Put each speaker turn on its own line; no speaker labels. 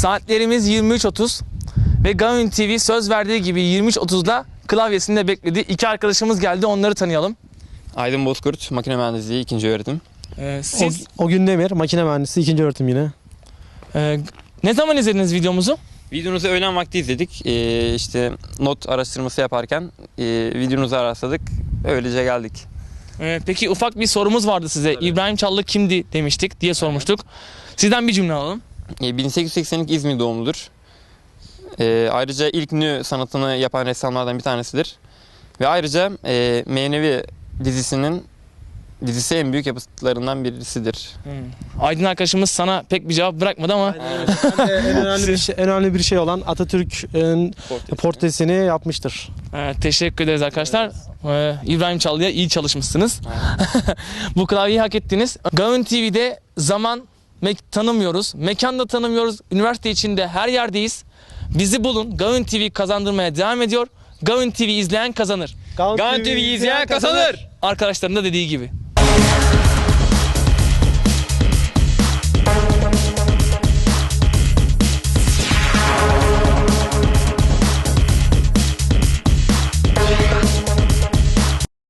Saatlerimiz 23.30 ve Gavin TV söz verdiği gibi 23.30'da klavyesinde bekledi. İki arkadaşımız geldi, onları tanıyalım.
Aydın Bozkurt, makine mühendisliği 2. öğretim.
Siz
O gün Demir, makine mühendisi 2. öğretim yine.
ne zaman izlediniz videomuzu?
Videonuzu öğlen vakti izledik. İşte not araştırması yaparken videonuzu rastladık. Öylece geldik.
Peki ufak bir sorumuz vardı size.
Tabii.
İbrahim Çallı kimdi demiştik diye sormuştuk. Sizden bir cümle alalım.
1882 İzmir doğumludur. Ayrıca ilk nü sanatını yapan ressamlardan bir tanesidir. Ve ayrıca Menevi dizisi en büyük yapıtlarından birisidir.
Aydın arkadaşımız sana pek bir cevap bırakmadı ama
En önemli bir şey olan Atatürk'ün portresini yapmıştır.
teşekkür ederiz arkadaşlar. İbrahim Çallı'ya iyi çalışmışsınız. Bu klavyeyi hak ettiniz. Gavin TV'de zaman tanımıyoruz, mekan da tanımıyoruz. Üniversite içinde her yerdeyiz. Bizi bulun. Gavin TV kazandırmaya devam ediyor. Gavin TV izleyen kazanır.
Gavin
TV izleyen kazanır.
Arkadaşların da dediği gibi.